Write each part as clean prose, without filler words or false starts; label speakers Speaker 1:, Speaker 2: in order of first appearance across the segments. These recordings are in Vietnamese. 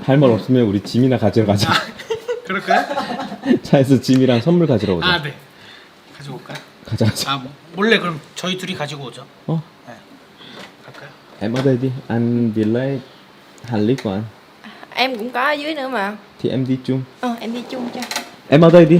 Speaker 1: 할 말 없으면 우리 짐이나 가지러 가자.
Speaker 2: 그럴까요?
Speaker 1: 차에서 짐이랑 선물 가지러 오자.
Speaker 2: 아, 네. 가지고 올까요?
Speaker 1: 가자 가자.
Speaker 2: 아, 몰래 그럼 저희 둘이 가지고 오죠.
Speaker 1: 어?
Speaker 2: 네. 갈까요?
Speaker 1: Em ở đây đi, anh đi lấy hành lý của anh.
Speaker 3: Em cũng có ở dưới nữa mà.
Speaker 1: Thì em đi chung.
Speaker 3: Em đi chung cho.
Speaker 1: Em ở đây đi.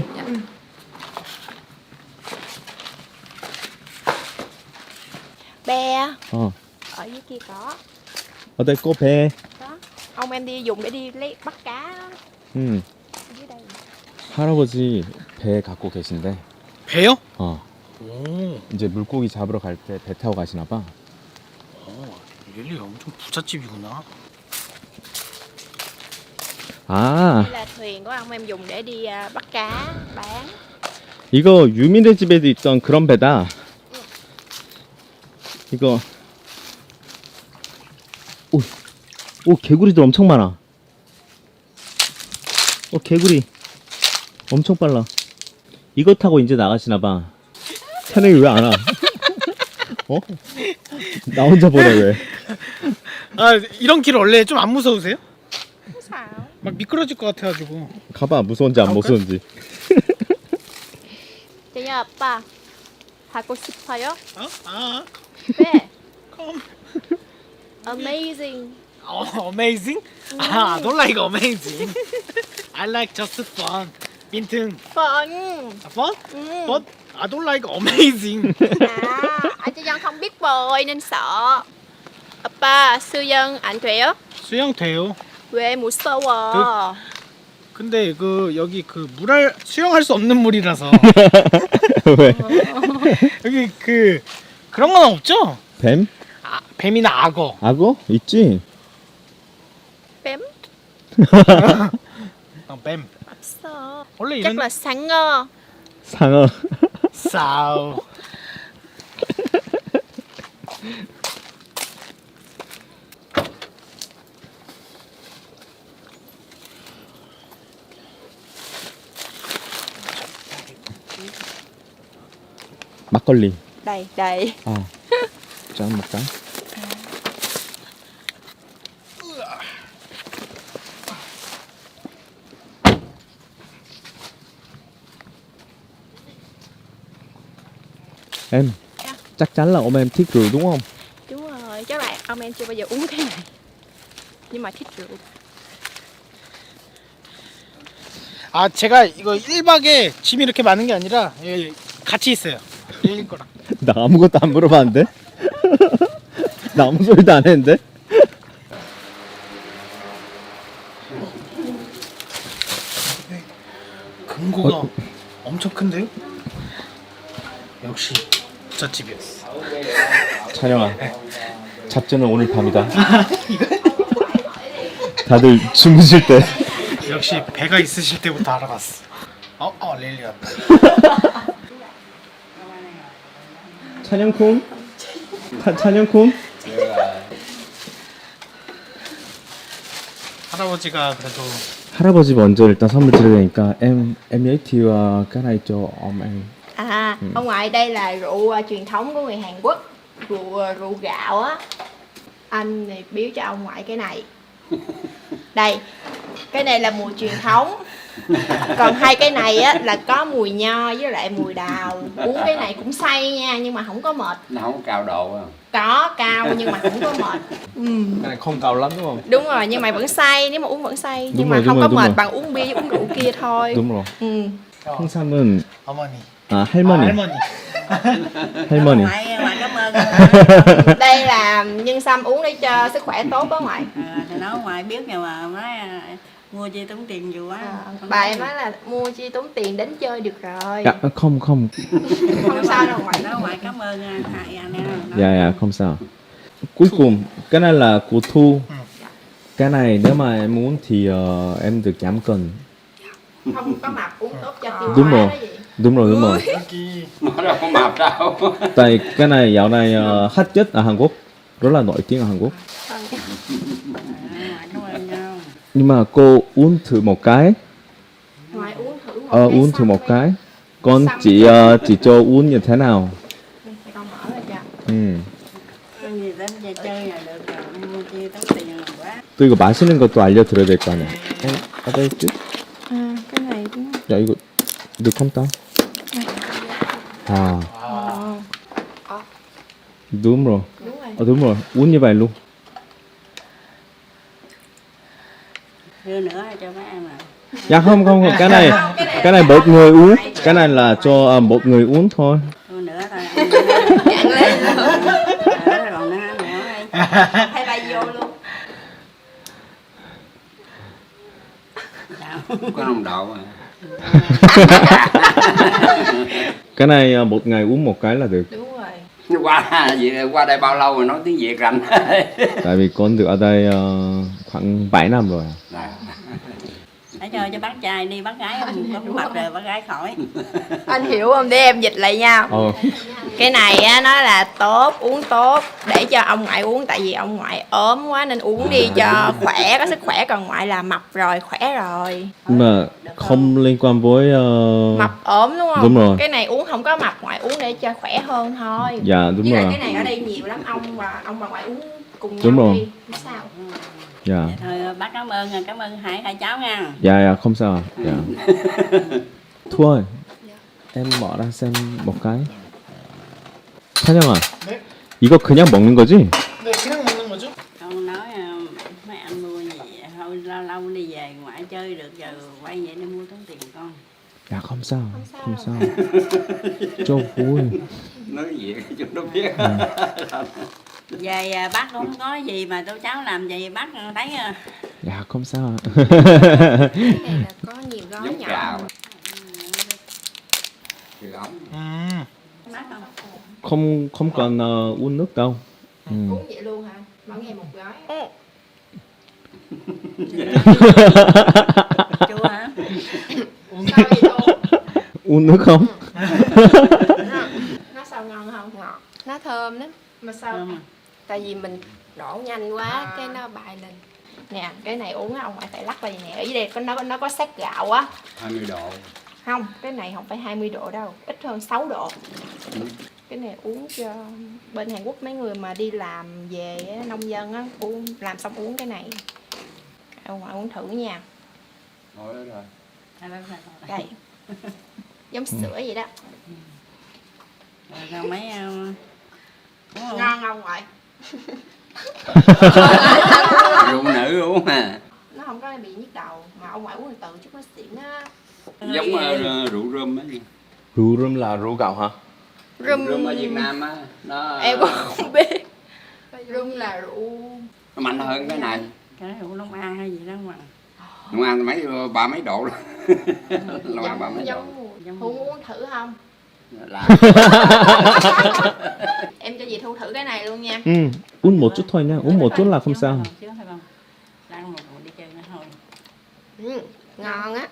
Speaker 3: Be
Speaker 1: Ờ.
Speaker 3: ở dưới kia có.
Speaker 1: Ở đây có bè.
Speaker 3: Đó. Ông em đi dùng để đi lấy bắt cá đó.
Speaker 1: 응.
Speaker 3: Dưới đây.
Speaker 1: 할아버지 배 갖고 계신데.
Speaker 2: 배요?
Speaker 1: 어.
Speaker 2: 오,
Speaker 1: 이제 물고기 잡으러 갈 때 배 타고 가시나 봐.
Speaker 2: 릴리 엄청 부잣집이구나.
Speaker 1: 아,
Speaker 3: Đây là thuyền của ông em dùng để đi bắt cá bán.
Speaker 1: 이거 유미네 집에도 있던 그런 배다. 이거. 오, 개구리들 엄청 많아. 개구리 엄청 빨라. 이거 타고 이제 나가시나 봐. 태능이 왜 안 와? 어? 나 혼자 보내 왜?
Speaker 2: 아, 이런 길 원래 좀 안 무서우세요?
Speaker 3: Sao?
Speaker 2: 막 미끄러질 것 같아가지고.
Speaker 1: 가봐, 무서운지 안 무서운지.
Speaker 3: 제가 아빠 하고 싶어요?
Speaker 2: 어? 아,
Speaker 3: 네.
Speaker 2: come.
Speaker 3: Amazing.
Speaker 2: Amazing? 아, I don't like amazing. I like just fun. 빈튼.
Speaker 3: Fun.
Speaker 2: Fun? But I don't like amazing.
Speaker 3: Anh cho dân không biết bơi nên sợ. 아빠 수영 안 돼요?
Speaker 2: 수영 돼요.
Speaker 3: 왜 무서워?
Speaker 2: 근데 그 여기 그 물할 수영할 수 없는 물이라서
Speaker 1: 왜?
Speaker 2: 여기 그 그런 건 없죠?
Speaker 1: 뱀?
Speaker 2: 아, 뱀이나 악어.
Speaker 1: 악어? 있지?
Speaker 3: Bém
Speaker 2: 뱀.
Speaker 3: 없어.
Speaker 2: 원래
Speaker 3: Chắc
Speaker 2: 이런
Speaker 3: là 상어.
Speaker 1: 상어.
Speaker 2: 싸우.
Speaker 1: 막걸리.
Speaker 3: Đây, đây.
Speaker 1: 아, 짠 먹자. Em, chắc chắn là ông em thích rượu đúng không?
Speaker 3: Đúng rồi, chắc là ông em chưa bao giờ uống cái này. Nhưng mà thích rượu.
Speaker 2: 아, 제가 이거 1박에 짐이 이렇게 많은 게 아니라 예, 같이 있어요. 릴리 거랑.
Speaker 1: 나 아무것도 안 물어봤는데? 나 아무 소리도 안 했는데?
Speaker 2: 금고가 엄청 큰데요? 역시 부잣집이었어.
Speaker 1: 찬영아, 잡전은 오늘 밤이다. 다들 주무실 때.
Speaker 2: 역시 배가 있으실 때부터 알아봤어. 릴리 왔다.
Speaker 1: 찬영쿵? 찬영쿵?
Speaker 2: 할아버지가 그래도
Speaker 1: 할아버지 먼저 일단 선물 드려야 되니까 em giới thiệu cái này cho ông em.
Speaker 3: Ông ngoại đây là rượu truyền thống của người Hàn Quốc. Rượu gạo á. Anh này biếu cho ông ngoại cái này. Đây. Cái này là mùi truyền thống. Còn hai cái này á là có mùi nho với lại mùi đào. Uống cái này cũng say nha, nhưng mà không có mệt.
Speaker 4: Nó không có cao độ không?
Speaker 3: Có cao nhưng mà không có mệt.
Speaker 1: Cái này không cao lắm đúng không?
Speaker 3: Đúng rồi, nhưng mà vẫn say, nếu mà uống vẫn say. Nhưng
Speaker 1: Đúng
Speaker 3: mà
Speaker 1: rồi,
Speaker 3: không
Speaker 1: đúng
Speaker 3: có
Speaker 1: rồi, đúng
Speaker 3: mệt
Speaker 1: rồi.
Speaker 3: bằng uống bia với uống rượu kia thôi.
Speaker 1: đúng rồi.
Speaker 3: Ừ.
Speaker 1: 홍삼은
Speaker 2: 어머니.
Speaker 1: 아 할머니.
Speaker 2: 할머니.
Speaker 1: 할머니.
Speaker 5: Ngoại cảm ơn.
Speaker 3: Đây là nhân sâm uống để cho sức khỏe tốt đó ngoại.
Speaker 5: Thì nói ngoài biết nhưng mà nói mua chi tốn tiền nhiều quá.
Speaker 3: Bà em nói là mua chi tốn tiền đến chơi được rồi.
Speaker 1: Dạ không.
Speaker 3: Không sao đâu ngoại.
Speaker 5: Nói ngoại cảm ơn hai anh em.
Speaker 1: Dạ không sao. Cuối cùng cái này là của Thu. Cái này nếu mà em muốn thì em được giảm cân.
Speaker 3: Không có mập uống tốt cho tiêu
Speaker 1: Đúng
Speaker 3: hóa
Speaker 1: rồi.
Speaker 3: đó gì.
Speaker 1: Đúng rồi.
Speaker 2: 여기
Speaker 4: Nó đâu có mập đâu.
Speaker 1: Tại cái này dạo này hot nhất ở Hàn Quốc, rất là nổi tiếng ở Hàn Quốc.
Speaker 5: Ngoại cảm ơn nhau.
Speaker 1: Nhưng mà cô uống thử một cái.
Speaker 3: Ngoại uống thử một
Speaker 1: Uống thử
Speaker 3: xong
Speaker 1: một
Speaker 3: đi.
Speaker 1: cái. Con
Speaker 3: Xong
Speaker 1: chỉ cho uống như thế nào.
Speaker 3: Con mở ra cho.
Speaker 1: Ừ.
Speaker 5: Con gì đến chơi chơi là được rồi, mua chi tốn tiền là quá.
Speaker 1: 또 이거 마시는 것도 알려드려야 될 거 아니야. 아빠 있지?
Speaker 3: À, cái này cũng
Speaker 1: 야 이거 너 컴다. 아 đúng rồi.
Speaker 3: đúng rồi.
Speaker 1: Đúng rồi. Uống như vậy luôn.
Speaker 5: Đưa nữa cho mấy em à.
Speaker 1: Dạ không không không, cái này một người uống, cái này là cho một người uống thôi.
Speaker 5: Đưa nữa thôi.
Speaker 3: Chặn lên luôn.
Speaker 5: Còn nữa đây.
Speaker 3: Hay bay vô luôn.
Speaker 4: Có nồng độ à.
Speaker 1: Cái này một ngày uống một cái là được.
Speaker 3: Đúng rồi.
Speaker 4: Qua đây bao lâu rồi nói tiếng Việt rành.
Speaker 1: Tại vì con được ở đây khoảng 7 năm rồi.
Speaker 5: Để cho bác trai đi, bác gái không có mập rồi bác gái khỏi.
Speaker 3: Anh hiểu không? Để em dịch lại nha. Cái này á, nó là tốt, uống tốt để cho ông ngoại uống, tại vì ông ngoại ốm quá nên uống đi cho khỏe, có sức khỏe, còn ngoại là mập rồi, khỏe rồi.
Speaker 1: Nhưng mà không liên quan với
Speaker 3: Mập ốm đúng không?
Speaker 1: Đúng rồi.
Speaker 3: Cái này uống không có mập, ngoại uống để cho khỏe hơn thôi.
Speaker 1: Dạ đúng
Speaker 3: Với lại
Speaker 1: rồi.
Speaker 3: cái này ở đây nhiều lắm, ông và ngoại uống cùng nhau
Speaker 1: Đúng rồi.
Speaker 3: đi. Không sao.
Speaker 1: Dạ.
Speaker 5: Dạ thôi bác cảm ơn hai cháu nha.
Speaker 1: Dạ không sao. Dạ. Thu ơi, em bỏ ra xem một cái. 찬영아,
Speaker 2: 네?
Speaker 1: 이거 그냥 먹는 거지?
Speaker 2: 네, 그냥 먹는 거죠?
Speaker 5: Con nói mấy anh mua gì thôi lâu lâu đi về ngoại chơi được, giờ quay về để mua tốn tiền con.
Speaker 1: Dạ không sao,
Speaker 3: sao
Speaker 1: không sao. Cho vui.
Speaker 4: Nói Việt cho nó biết.
Speaker 5: Về bác cũng không có gì mà tôi cháu làm gì bác thấy
Speaker 1: Dạ không sao.
Speaker 3: Cái này là có nhiều gói
Speaker 4: Giống
Speaker 3: nhỏ.
Speaker 4: gạo. Thì ống.
Speaker 5: bác không.
Speaker 1: không cần uống nước đâu.
Speaker 3: Uống vậy luôn hả? Mỗi ngày một gói.
Speaker 5: Chua hả?
Speaker 3: Sao vậy luôn?
Speaker 1: uống nước không?
Speaker 3: Nó sao ngon không? Ngọt. Nó thơm lắm. Mà sao?
Speaker 5: Thơm à?
Speaker 3: Tại vì mình đổ nhanh quá cái nó bay lên. Nè, cái này uống á, ông ngoại phải lắc vào vậy nè. Ở dưới đây nó có sát gạo á.
Speaker 4: 20 độ.
Speaker 3: Không, cái này không phải 20 độ đâu, ít hơn 6 độ. Cái này uống cho bên Hàn Quốc mấy người mà đi làm về á, nông dân á, uống làm xong uống cái này. Ông ngoại uống thử nha.
Speaker 4: Thôi đó rồi.
Speaker 3: Đây. Giống sữa vậy đó.
Speaker 5: Rồi mấy đúng không?
Speaker 3: Ngon không ngoại?
Speaker 4: Rượu nữ uống à.
Speaker 3: Nó không có bị nhức đầu, mà ông ngoại uống từ chút nó xỉn á.
Speaker 4: Giống rượu rum á.
Speaker 1: rượu rum là rượu gạo hả?
Speaker 4: Rum ở Việt Nam á. Nó
Speaker 3: Em cũng không biết. Rum là rượu
Speaker 4: nó mạnh hơn cái này.
Speaker 5: Cái rượu Long An hay gì đó mà.
Speaker 4: Long An ba mấy độ rồi. Long An ba mấy độ.
Speaker 3: giống Thu muốn thử không?
Speaker 4: Là
Speaker 3: Em cho dì Thu thử cái này luôn nha.
Speaker 1: uống một chút thôi nha, uống một chút là không sao.
Speaker 5: Chứ thôi con. Đang một đi chơi nữa thôi.
Speaker 3: Ngon á.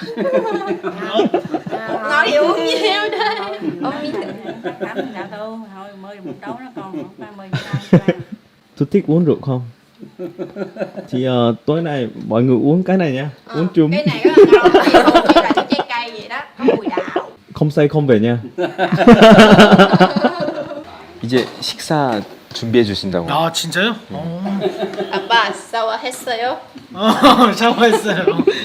Speaker 3: Nói thì uống nhiều đây. Uống miếng thử.
Speaker 5: Tắm dạ thôi mời một đấu nó con không phải mời người ta.
Speaker 1: Tôi thích uống rượu không? Thì tối nay mọi người uống cái này nha, uống chung.
Speaker 3: Cái này rất là ngon, dì Thu chỉ là cái trái cây vậy đó, có mùi đào.
Speaker 1: không say không về nha. 이제 식사 준비해 주신다고.
Speaker 2: 아, 진짜요?
Speaker 3: 아빠 샤워했어요?
Speaker 2: 샤워했어요.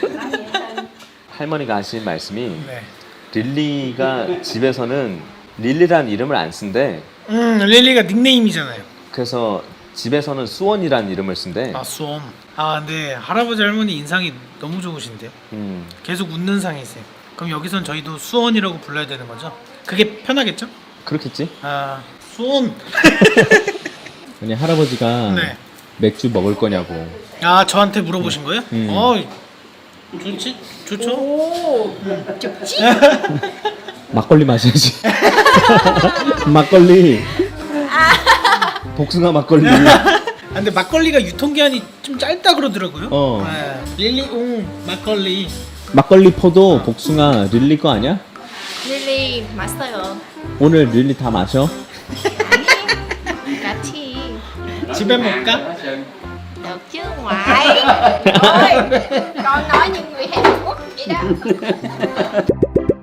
Speaker 1: 할머니가 하신 말씀이
Speaker 2: 네.
Speaker 1: 릴리가 집에서는 릴리란 이름을 안 쓴대.
Speaker 2: 릴리가 닉네임이잖아요.
Speaker 1: 그래서 집에서는 수원이란 이름을 쓴대.
Speaker 2: 아, 수원. 아, 근데 할아버지 할머니 인상이 너무 좋으신데요. 계속 웃는 상이세요. 그럼 여기선 저희도 수원이라고 불러야 되는 거죠? 그게 편하겠죠?
Speaker 1: 그렇겠지?
Speaker 2: 아, 수원.
Speaker 1: 아니 할아버지가
Speaker 2: 네.
Speaker 1: 맥주 먹을 거냐고.
Speaker 2: 아, 저한테 물어보신 거예요? 좋지? 좋죠?
Speaker 3: 오, 좋지?
Speaker 1: 막걸리 마셔야지. 막걸리. 복숭아 막걸리.
Speaker 2: 아, 근데 막걸리가 유통기한이 좀 짧다 그러더라고요. 네. 릴리 막걸리.
Speaker 1: 막걸리 포도 복숭아 릴리 거 아니야?
Speaker 3: 릴리 맛있어요.
Speaker 1: 오늘 릴리 다 마셔?
Speaker 3: 같이.
Speaker 2: 집에 먹을까?
Speaker 3: Được chứ ngoại. Ôi, con nói như người Hàn Quốc vậy đó.